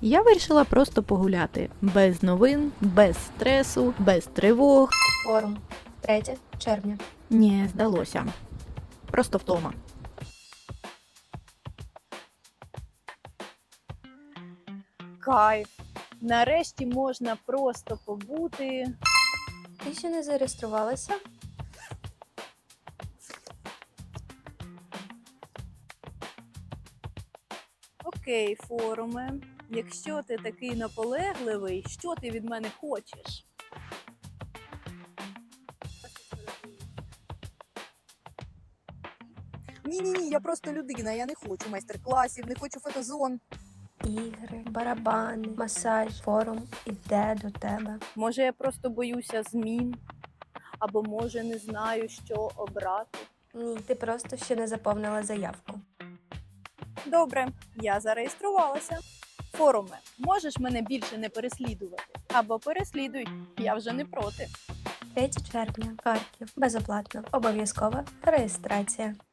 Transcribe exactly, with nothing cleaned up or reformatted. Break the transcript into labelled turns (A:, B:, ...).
A: Я вирішила просто погуляти. Без новин, без стресу, без тривог.
B: Форум. третє червня.
A: Ні, здалося. Просто втома.
C: Кайф. Нарешті можна просто побути.
B: Ти ще не зареєструвалася?
C: Окей, форуме. Якщо ти такий наполегливий, що ти від мене хочеш?
D: Ні-ні-ні, я просто людина, я не хочу майстер-класів, не хочу фотозон.
B: Ігри, барабани, масаж, форум іде до тебе.
C: Може, я просто боюся змін? Або може не знаю, що обрати?
B: Ні, ти просто ще не заповнила заявку.
C: Добре, я зареєструвалася. Форуме, можеш мене більше не переслідувати? Або переслідуй, я вже не проти.
B: третє червня. Харків. Безоплатно. Обов'язкова реєстрація.